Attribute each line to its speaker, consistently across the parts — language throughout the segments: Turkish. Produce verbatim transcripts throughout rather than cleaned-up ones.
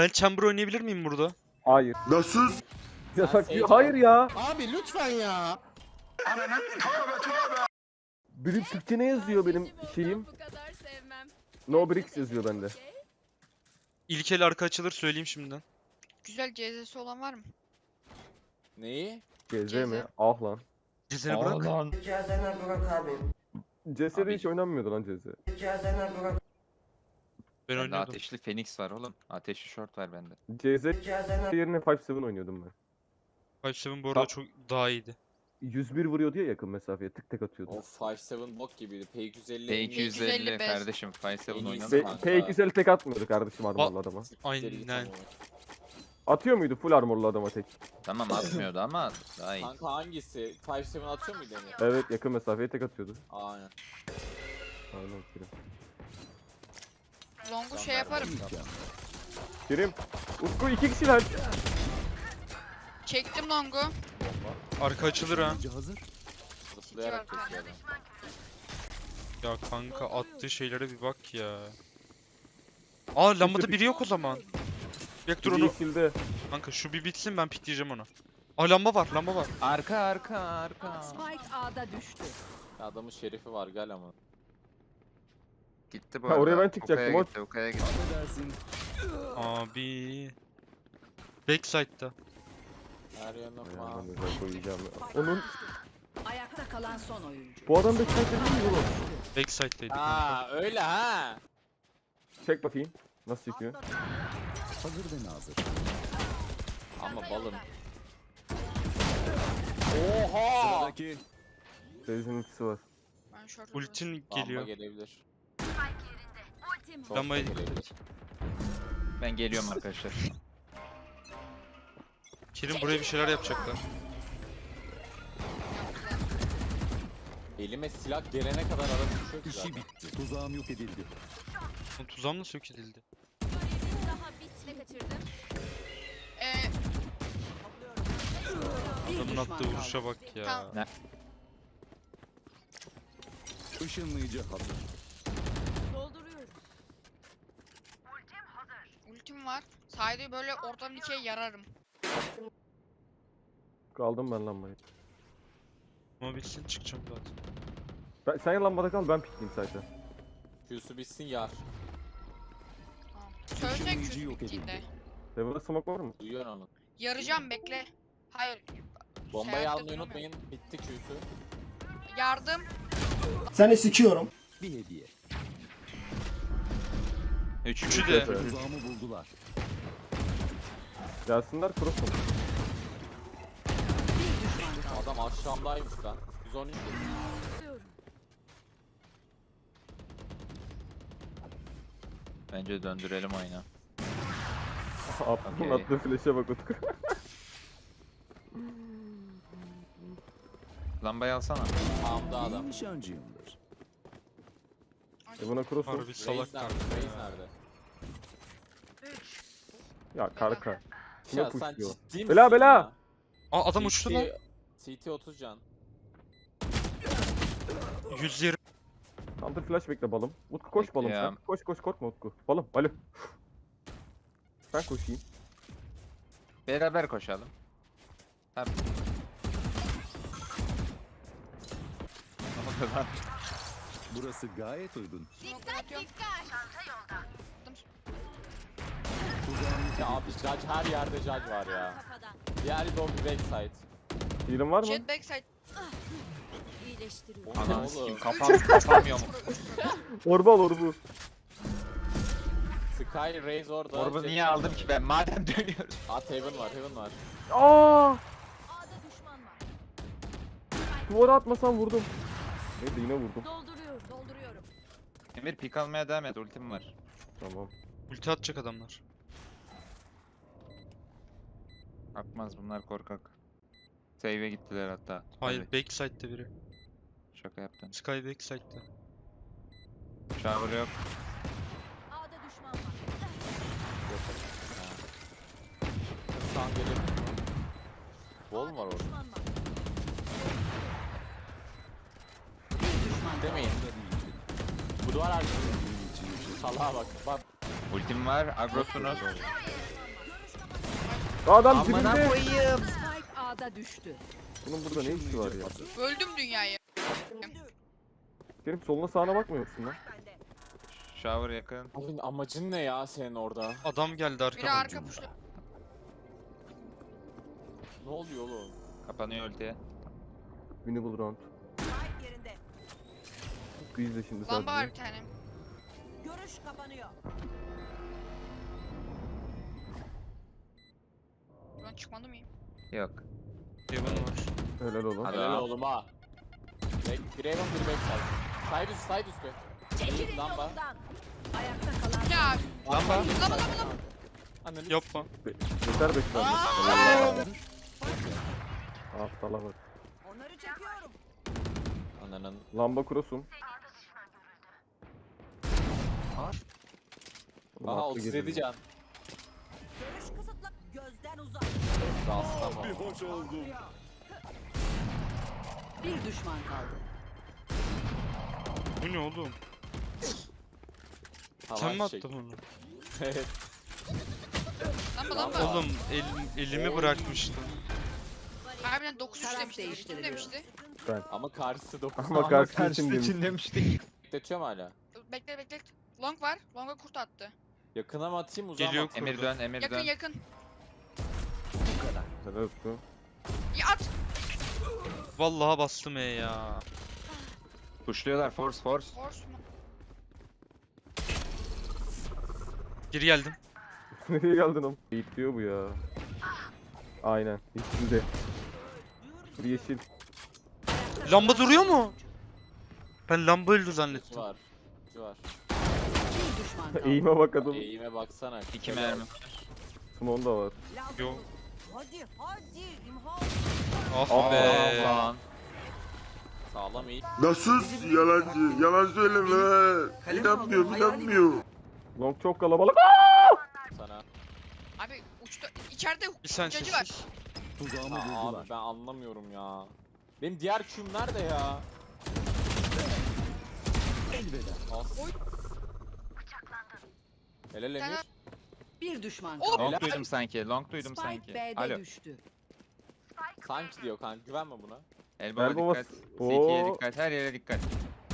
Speaker 1: Ben chamber oynayabilir miyim burada?
Speaker 2: Hayır.
Speaker 3: Nasıl?
Speaker 2: Yasak
Speaker 4: Sen
Speaker 2: diyor.
Speaker 4: Sage'i
Speaker 2: Hayır ya.
Speaker 4: Abi lütfen ya.
Speaker 2: Benim Türkçe ne yazıyor benim şeyim?
Speaker 5: Bu kadar sevmem.
Speaker 2: No bricks yazıyor bende.
Speaker 1: İlk el arka açılır söyleyeyim şimdiden.
Speaker 6: Güzel C Z'si olan var mı?
Speaker 4: Neyi?
Speaker 2: C Z
Speaker 6: C Z.
Speaker 2: mi? Ah lan.
Speaker 1: Cezene bırak.
Speaker 4: lan.
Speaker 7: Cihazlarına bırak abi.
Speaker 2: C S'de
Speaker 8: Abi-
Speaker 2: hiç oynanmıyordu lan C Z.
Speaker 7: Cihazlarına bırak.
Speaker 1: Ben
Speaker 8: Bende
Speaker 1: oynuyordum.
Speaker 8: ateşli Phoenix var oğlum. Ateşli short var bende.
Speaker 2: C Z
Speaker 7: Cihazlarına
Speaker 2: yerine beş yedi oynuyordum ben.
Speaker 1: beş yedi bu arada
Speaker 2: Bak.
Speaker 1: çok daha iyiydi.
Speaker 2: yüz bir vuruyordu ya yakın mesafeye tık tık atıyordu.
Speaker 4: Of beş yedi bok gibiydi. P iki yüz elli.
Speaker 8: P iki yüz
Speaker 6: iki yüz elli
Speaker 8: elli
Speaker 6: beş.
Speaker 8: kardeşim. beş yedi
Speaker 4: En iyisi
Speaker 8: oynadım
Speaker 2: P
Speaker 4: kanka.
Speaker 2: P iki yüz elli tek atmıyordu kardeşim armorlu adama.
Speaker 1: Aynen.
Speaker 2: Atıyor muydu full armorlu adama tek?
Speaker 8: Tamam atmıyordu ama daha iyi.
Speaker 4: Kanka hangisi? beş yedi atıyor muydu Emir?
Speaker 2: Evet yakın mesafeye tek atıyordu.
Speaker 4: Aynen.
Speaker 2: Aynen Kerim.
Speaker 6: Long'u şey yaparım.
Speaker 2: Kerim. Utku iki kişiler.
Speaker 6: Çektim Long'u.
Speaker 1: Arka açılır ha.
Speaker 4: Zıplayarak
Speaker 6: Çok
Speaker 4: kesiyor adam.
Speaker 1: Ya kanka attığı şeylere bir bak ya. Aa lambada biri yok o zaman. Bek dur
Speaker 2: Biri
Speaker 1: onu.
Speaker 2: ikilde.
Speaker 1: Kanka şu bir bitsin ben pikleyeceğim onu. Aa lamba var lamba var.
Speaker 8: Arka arka arka.
Speaker 5: Spike A'da düştü.
Speaker 4: Ya adamın şerifi var gel ama.
Speaker 8: Gitti bu
Speaker 2: Ha,
Speaker 8: arada.
Speaker 2: oraya ben çıkacaktım,
Speaker 8: Uka'ya
Speaker 2: o-
Speaker 8: gitti, Uka'ya gitti.
Speaker 1: Abi. Backside'da.
Speaker 4: Her yerine
Speaker 2: Ayağımdan
Speaker 4: falan.
Speaker 2: özel koyacağım ya. Onun
Speaker 5: Ayakta kalan son oyuncu.
Speaker 2: bu adam da çek değil mi oğlum?
Speaker 1: Backside'daydı.
Speaker 4: Aa öyle ha.
Speaker 2: Çek bakayım. Nasıl çekiyor?
Speaker 4: Ama balım. Oha!
Speaker 2: Reis'in ultisi var.
Speaker 6: Ben short
Speaker 1: Ultin
Speaker 4: Lamba
Speaker 1: geliyor.
Speaker 4: gelebilir.
Speaker 5: Ultim.
Speaker 4: Short da
Speaker 1: Lambayı-
Speaker 4: gelebilir.
Speaker 8: Ben geliyorum arkadaşlar.
Speaker 1: Kerim buraya bir şeyler yapacaklar.
Speaker 4: Elime silah gelene kadar arada düşüyor ki zaten.
Speaker 9: Tuzağım yok edildi.
Speaker 1: Lan tuzağım nasıl yok edildi?
Speaker 5: Daha bitme kaçırdım.
Speaker 6: Ee,
Speaker 5: Bir
Speaker 1: Adamın
Speaker 5: düşman
Speaker 1: attığı
Speaker 5: kaldı.
Speaker 1: vuruşa bak ya.
Speaker 6: Tamam.
Speaker 9: Işınlayıcı hazır.
Speaker 5: Dolduruyorum.
Speaker 6: ultim var. Saydı böyle ortadan ikiye yararım.
Speaker 2: Kaldım ben lambayı.
Speaker 1: Ama bilsin çıkacağım zaten.
Speaker 2: Ben, sen lambada kal ben pikleyeyim zaten.
Speaker 4: Q'su bitsin yar.
Speaker 6: Tamam. Söyleyecek
Speaker 9: Işınlayıcı
Speaker 6: şu
Speaker 9: yok
Speaker 6: bittiğinde.
Speaker 9: edildi.
Speaker 2: Level'da smoke var mı?
Speaker 4: Duyuyor onu.
Speaker 6: Yarayacağım bekle. Hayır.
Speaker 4: Bombayı
Speaker 6: Hayatta
Speaker 4: almayı
Speaker 6: duramıyorum.
Speaker 4: unutmayın. Bitti Q'su.
Speaker 6: Yardım.
Speaker 7: Seni sikiyorum.
Speaker 9: Bir hediye.
Speaker 8: Üç.
Speaker 1: Üçü de.
Speaker 9: Tuzağımı buldular.
Speaker 2: Gelsinler cross mu?
Speaker 5: Bir düşman kaldı.
Speaker 4: Adam aşağımdaymış lan. yüz on üç.
Speaker 8: Bence döndürelim oyunu.
Speaker 2: Attığın
Speaker 8: Okey.
Speaker 2: attığı flash'e bak Utku.
Speaker 8: Lambayı alsana.
Speaker 4: Sağımda
Speaker 9: İyi
Speaker 4: adam.
Speaker 9: nişancıyımdır.
Speaker 2: E buna cross mu?
Speaker 1: Harbi salak
Speaker 4: Reis nerede?
Speaker 1: kanka.
Speaker 4: Reis nerede?
Speaker 2: Ya karka. Kime
Speaker 4: Ya sen
Speaker 2: pushluyor?
Speaker 4: ciddi misin
Speaker 2: Bela, bela!
Speaker 4: ya?
Speaker 1: Aa adam uçtu lan.
Speaker 4: C T otuz can.
Speaker 1: yüz yirmi.
Speaker 2: Counter flash bekle balım. Utku koş balım sen.
Speaker 8: Bekliyorum.
Speaker 2: Koş koş korkma Utku. Balım alo. Ben koşayım.
Speaker 8: Beraber koşalım. Tabii. Ama kazan.
Speaker 9: Burası gayet uygun.
Speaker 6: Dikkat dikkat.
Speaker 9: Tuzağım
Speaker 4: Ya abi judge her yerde judge var ya.
Speaker 5: Kafadan.
Speaker 4: Diğer bir bir backside.
Speaker 2: Heal'in var mı?
Speaker 6: Jet backside.
Speaker 5: İyileştiriyorum.
Speaker 4: O ne
Speaker 8: Anam
Speaker 4: oğlum?
Speaker 8: sikim kafam kafam yok.
Speaker 2: Orba al orbu.
Speaker 4: Sky Raze orada.
Speaker 8: Orbu
Speaker 4: Jet-
Speaker 8: niye aldım ki ben? Madem dönüyoruz.
Speaker 4: At Heaven var, Heaven var.
Speaker 2: Aa!
Speaker 5: A'da düşman var.
Speaker 2: Duvara atmasam vurdum. Neyse yine vurdum.
Speaker 5: Dolduruyorum. Dolduruyorum.
Speaker 8: Emir pik almaya devam et. Ultim var.
Speaker 2: Tamam.
Speaker 1: Ulti atacak adamlar.
Speaker 8: Atmaz bunlar korkak. Save'e gittiler hatta.
Speaker 1: Hayır
Speaker 8: Tabii,
Speaker 1: backside'de biri.
Speaker 8: şaka yaptım.
Speaker 1: Sky backside'de.
Speaker 8: Shower yok.
Speaker 5: A'da düşman var.
Speaker 4: Sağ gelir. Wall mu var orada?
Speaker 5: Düşman var. Bir düşman kaldı.
Speaker 4: Demeyin. Bu duvar arkası. Salaha bak. Bak.
Speaker 8: Ultim var. Agrosunuz.
Speaker 2: Adam
Speaker 8: Amına
Speaker 2: dibinde.
Speaker 8: koyayım.
Speaker 5: Spike A'da düştü.
Speaker 2: Bunun burada ne işi var ya?
Speaker 6: Öldüm dünyayı.
Speaker 2: Kerim soluna sağına bakmıyor musun lan?
Speaker 8: Shower yakın.
Speaker 4: Abi amacın ne ya senin orada?
Speaker 1: Adam geldi
Speaker 6: Biri
Speaker 1: arkadan.
Speaker 6: arka puşlu.
Speaker 4: Ne oluyor oğlum?
Speaker 8: Kapanıyor ulti.
Speaker 2: Winnable round.
Speaker 5: Yerinde.
Speaker 2: Bu izle şimdi
Speaker 6: Lamba var
Speaker 2: sadece.
Speaker 6: bir tane.
Speaker 5: Görüş kapanıyor.
Speaker 6: Buradan çıkmadı mıyım?
Speaker 8: Yok.
Speaker 1: Heaven var.
Speaker 2: Helal oğlum.
Speaker 8: Hadi.
Speaker 4: Helal oğlum ha. Back, bir Raven bir backside. Side üstü side üstü.
Speaker 5: Çekilin
Speaker 4: Lamba.
Speaker 5: yolundan. Ayakta kalan
Speaker 6: Ya
Speaker 1: Lamba.
Speaker 6: lama lama lama.
Speaker 4: Ananı
Speaker 1: Yapma.
Speaker 2: Yeter bekle. Ah salak.
Speaker 5: onları çekiyorum.
Speaker 4: Ananın.
Speaker 2: Lamba kurosum.
Speaker 4: Aha otuz yedi can.
Speaker 5: Görüş kısıtlı. Gözden uzak.
Speaker 4: Rastlama.
Speaker 9: Bir hoş oldum.
Speaker 5: Bir düşman kaldı.
Speaker 1: Bu ne oğlum?
Speaker 4: Hava
Speaker 1: Sen mi
Speaker 4: çek.
Speaker 1: attın onu?
Speaker 4: Evet.
Speaker 6: Lamba lamba.
Speaker 1: Oğlum el, elimi bırakmıştım.
Speaker 6: Harbiden dokuz üç
Speaker 5: Taraf
Speaker 6: demişti. Kim
Speaker 5: değiştiriliyor.
Speaker 6: demişti?
Speaker 4: Ama karşısı dokuz.
Speaker 2: Ama karşı için demiş.
Speaker 8: demiştik.
Speaker 4: Bekletiyor mu hala?
Speaker 6: Bekle bekle. Long var. Long'a kurt attı.
Speaker 4: Yakına mı atayım uzağa mı
Speaker 1: Geliyor.
Speaker 4: atayım?
Speaker 8: Emir dön, Emir
Speaker 6: Yakın
Speaker 8: dön.
Speaker 6: yakın.
Speaker 2: Helal olsun.
Speaker 6: Ya at.
Speaker 1: Vallahi bastım E ya.
Speaker 8: Pushluyorlar, force force.
Speaker 6: Force mu?
Speaker 1: Geri geldim.
Speaker 2: Nereye geldin oğlum? Eğit diyor bu ya. Aynen. Yeşilde. Bir yeşil.
Speaker 1: Lamba duruyor mu? Ben lamba öldü
Speaker 4: Şu
Speaker 1: zannettim.
Speaker 4: var. Şu var.
Speaker 5: Bir düşman kaldı.
Speaker 2: Eğime bak adam.
Speaker 4: Eğime baksana.
Speaker 8: İki mermi.
Speaker 2: Smon da var.
Speaker 1: Yok.
Speaker 5: Hadi hadi. İmha.
Speaker 1: Ah
Speaker 2: Aa,
Speaker 1: be.
Speaker 8: Lan.
Speaker 4: Sağlam iyi.
Speaker 3: Nasıl yalancı? Yalan söyleme. İnanmıyor, inanmıyor.
Speaker 2: Long çok kalabalık.
Speaker 4: Sana.
Speaker 6: Abi uçta içeride
Speaker 1: Bir sen
Speaker 6: uçacı var.
Speaker 1: sessiz.
Speaker 9: Tuzağımı
Speaker 4: Ha,
Speaker 9: buldular.
Speaker 4: abi ben anlamıyorum ya. Benim diğer Q'm nerede ya?
Speaker 9: Elveda.
Speaker 4: As. Helal Emir.
Speaker 6: Sen-
Speaker 5: Bir düşman
Speaker 6: Oğlum,
Speaker 5: kaldı.
Speaker 8: Long duydum sanki, long duydum
Speaker 5: Spike
Speaker 8: sanki.
Speaker 5: B'de
Speaker 8: Alo.
Speaker 5: düştü.
Speaker 4: Sanki diyor kanka güvenme buna.
Speaker 8: Elbow'a
Speaker 2: Elbow'a
Speaker 8: dikkat.
Speaker 2: s-
Speaker 8: City'ye
Speaker 2: Oo.
Speaker 8: dikkat, her yere dikkat.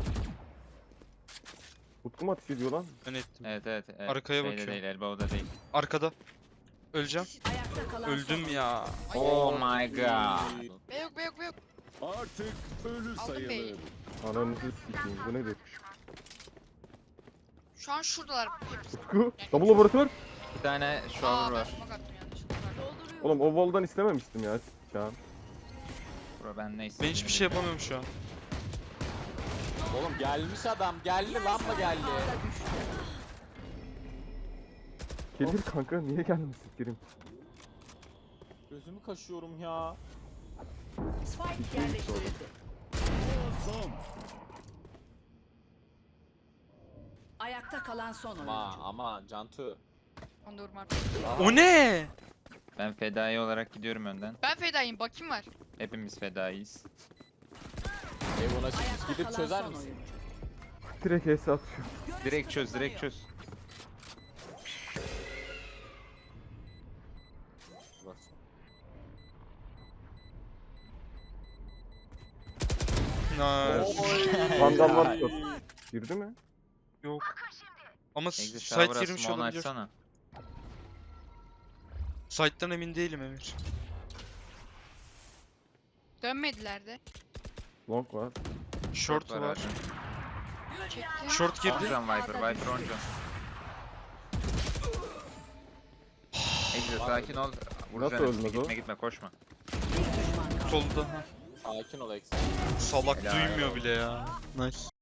Speaker 2: Utku mu ateş ediyor lan?
Speaker 1: Ben ettim.
Speaker 8: Evet evet. evet.
Speaker 1: Arkaya
Speaker 8: Şeyde
Speaker 1: bakıyorum.
Speaker 8: değil, elbow'da değil.
Speaker 1: Arkada. Öleceğim.
Speaker 5: Ayakta kalan
Speaker 1: Öldüm
Speaker 5: son
Speaker 1: ya.
Speaker 8: Oh my god.
Speaker 6: Be yok be yok be yok.
Speaker 9: Artık ölü
Speaker 6: Aldım beyi.
Speaker 9: sayılır.
Speaker 2: Ananızı sikeyim. Bu nedir?
Speaker 6: Şu an şuradalar. hepsi.
Speaker 2: Utku. Double laboratuvar.
Speaker 8: Bir tane
Speaker 6: Aa
Speaker 8: shower
Speaker 6: ben
Speaker 8: var.
Speaker 6: smoke attım yanlışlıkla.
Speaker 2: Oğlum o wall'dan istememiştim ya şu an.
Speaker 8: Bro ben neyse.
Speaker 1: Ben hiçbir şey yapamıyorum şu an.
Speaker 4: Oğlum gelmiş adam. Geldi lamba geldi.
Speaker 5: A'da düştü.
Speaker 2: Gelir kanka niye gelmesin Kerim?
Speaker 4: Gözümü kaşıyorum ya.
Speaker 5: Spike yerleştirildi.
Speaker 9: Son.
Speaker 5: Ayakta kalan son
Speaker 4: Ama
Speaker 5: oyuncu.
Speaker 4: ama Cantu.
Speaker 6: Onu da vurma.
Speaker 1: O ne?
Speaker 8: Ben fedai olarak gidiyorum önden.
Speaker 6: Ben fedayım bakayım var.
Speaker 8: Hepimiz fedaiyiz.
Speaker 4: Eyvallah
Speaker 5: Ayakta
Speaker 4: gidip
Speaker 5: kalan
Speaker 4: çözer
Speaker 5: son
Speaker 4: misin?
Speaker 5: oyuncu.
Speaker 2: Direkt H'si atıyor.
Speaker 8: Direkt çöz, direkt çöz.
Speaker 4: Bak.
Speaker 1: Nice.
Speaker 2: Vandal var. Girdi mi?
Speaker 1: Yok. Ama
Speaker 8: Exit
Speaker 1: site
Speaker 8: shower'a
Speaker 1: girmiş
Speaker 8: smoke'unu
Speaker 1: olabilir.
Speaker 8: açsana.
Speaker 1: Site'dan emin değilim Emir.
Speaker 6: Dönmediler de.
Speaker 2: Long var.
Speaker 1: Short var.
Speaker 8: abi.
Speaker 6: Çekti.
Speaker 1: Short girdi.
Speaker 8: Oncan Viper, Viper oncan. Exit sakin ol. Vuracaksın
Speaker 2: ölmez
Speaker 8: hepsini.
Speaker 2: o?
Speaker 8: Gitme gitme koşma.
Speaker 5: Bir düşman kaldı.
Speaker 1: Solda.
Speaker 4: Sakin ol Eksen.
Speaker 1: Salak
Speaker 8: Helal
Speaker 1: duymuyor
Speaker 8: olsun.
Speaker 1: bile ya. Nice.